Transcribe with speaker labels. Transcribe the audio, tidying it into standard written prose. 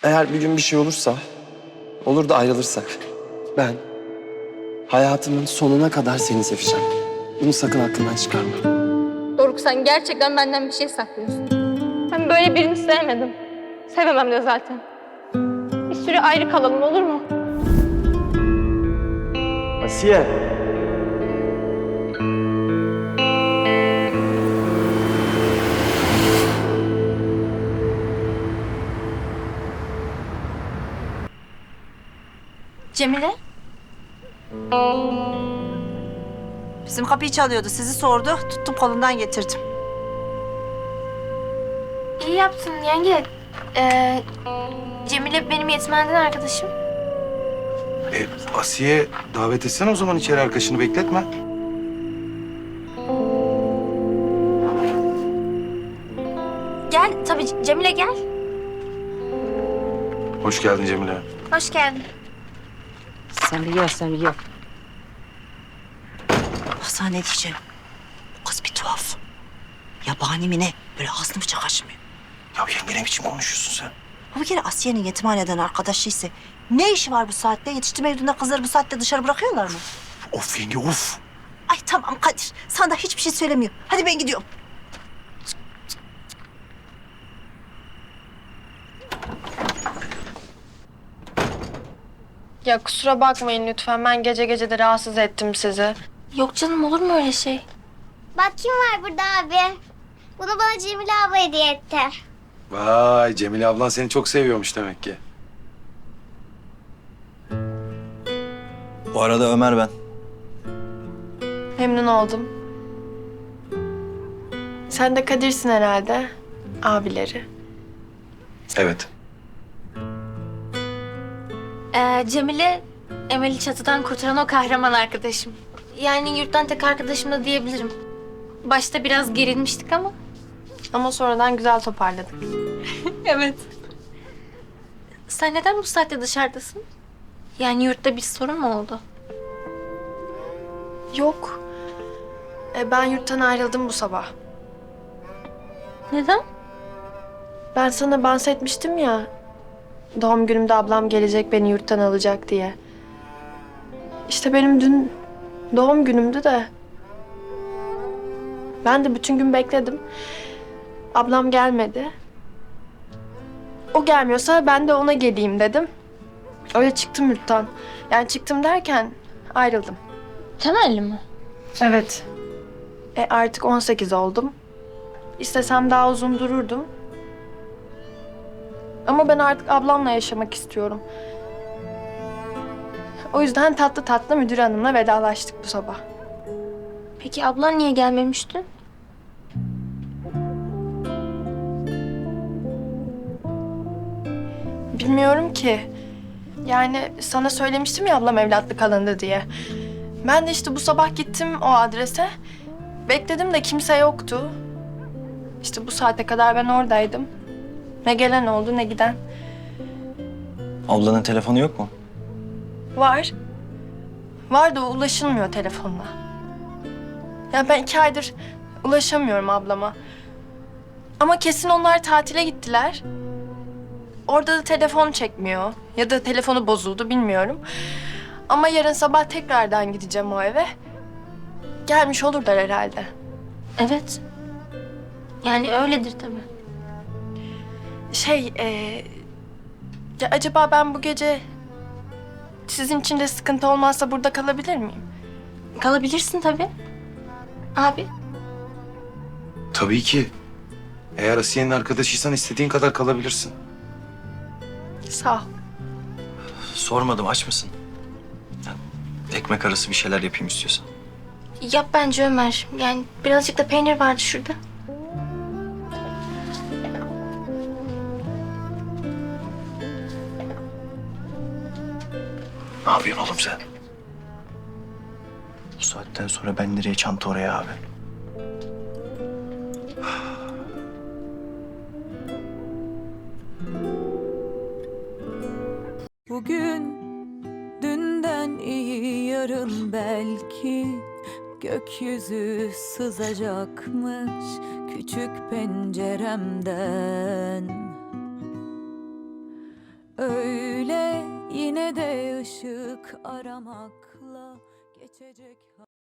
Speaker 1: Eğer bir gün bir şey olursa, olur da ayrılırsak, ben hayatımın sonuna kadar seni seveceğim. Bunu sakın aklından çıkarma.
Speaker 2: Doruk, sen gerçekten benden bir şey saklıyorsun. Ben böyle birini sevmedim. Sevemem de zaten. Bir süre ayrı kalalım, olur mu?
Speaker 1: Asiye.
Speaker 3: Cemile? Bizim kapıyı çalıyordu, sizi sordu. Tuttum kolundan getirdim.
Speaker 2: İyi yaptın yenge. Cemile benim yetimhaneden arkadaşım.
Speaker 4: Asiye davet etsene o zaman içeri arkadaşını bekletme.
Speaker 2: Gel, tabii Cemile gel.
Speaker 4: Hoş geldin Cemile.
Speaker 2: Hoş geldin.
Speaker 3: Sen biliyor. Sana ne diyeceğim? Bu kız bir tuhaf. Yabani mi ne? Böyle ağzını bıçak açmıyor.
Speaker 4: Ya yenge ne biçim konuşuyorsun sen?
Speaker 3: Bu bir kere Asiye'nin yetimhaneden arkadaşıysa ne işi var bu saatte? Yetiştirme yurdunda kızları bu saatte dışarı bırakıyorlar mı?
Speaker 4: Of yenge of.
Speaker 3: Ay tamam Kadir. Sana da hiçbir şey söylemiyor. Hadi ben gidiyorum.
Speaker 5: Ya kusura bakmayın lütfen. Ben gece gece de rahatsız ettim sizi.
Speaker 2: Yok canım, olur mu öyle şey?
Speaker 6: Bak kim var burada abi. Bunu bana Cemile abla hediye etti.
Speaker 4: Vay Cemile ablan seni çok seviyormuş demek ki.
Speaker 7: Bu arada Ömer ben.
Speaker 5: Memnun oldum. Sen de Kadir'sin herhalde. Abileri.
Speaker 4: Evet.
Speaker 2: Cemile, Emel'i çatıdan kurtaran o kahraman arkadaşım. Yani yurttan tek arkadaşım da diyebilirim. Başta biraz gerilmiştik ama.
Speaker 5: Ama sonradan güzel toparladık.
Speaker 2: Evet. Sen neden bu saatte dışarıdasın? Yani yurtta bir sorun mu oldu?
Speaker 5: Yok. Ben yurttan ayrıldım bu sabah.
Speaker 2: Neden?
Speaker 5: Ben sana bahsetmiştim ya. Doğum günümde ablam gelecek beni yurttan alacak diye. İşte benim dün doğum günümdü de. Ben de bütün gün bekledim. Ablam gelmedi. O gelmiyorsa ben de ona geleyim dedim. Öyle çıktım yurttan. Yani çıktım derken ayrıldım.
Speaker 2: Temelli mi?
Speaker 5: Evet. Artık 18 oldum. İstesem daha uzun dururdum. Ama ben artık ablamla yaşamak istiyorum. O yüzden tatlı tatlı müdür hanımla vedalaştık bu sabah.
Speaker 2: Peki ablan niye gelmemişti?
Speaker 5: Bilmiyorum ki. Yani sana söylemiştim ya ablam evlatlık alındı diye. Ben de işte bu sabah gittim o adrese. Bekledim de kimse yoktu. İşte bu saate kadar ben oradaydım. Ne gelen oldu ne giden.
Speaker 7: Ablanın telefonu yok mu?
Speaker 5: Var. Var da ulaşılmıyor telefonla. Ya ben 2 aydır ulaşamıyorum ablama. Ama kesin onlar tatile gittiler. Orada da telefon çekmiyor. Ya da telefonu bozuldu bilmiyorum. Ama yarın sabah tekrardan gideceğim o eve. Gelmiş olurlar herhalde.
Speaker 2: Evet. Yani öyledir tabii.
Speaker 5: Ya acaba ben bu gece sizin için de sıkıntı olmazsa burada kalabilir miyim?
Speaker 2: Kalabilirsin tabii. Abi.
Speaker 4: Tabii ki. Eğer Asiye'nin arkadaşıysan istediğin kadar kalabilirsin.
Speaker 5: Sağ ol.
Speaker 7: Sormadım, aç mısın? Yani ekmek arası bir şeyler yapayım istiyorsan.
Speaker 2: Yap bence Ömer. Yani birazcık da peynir vardı şurada.
Speaker 7: Ne yapıyorsun oğlum sen? Bu saatten sonra ben nereye çanta oraya abi?
Speaker 8: Bugün dünden iyi yarın belki gökyüzü sızacakmış küçük penceremden. Yine de ışık aramakla geçecek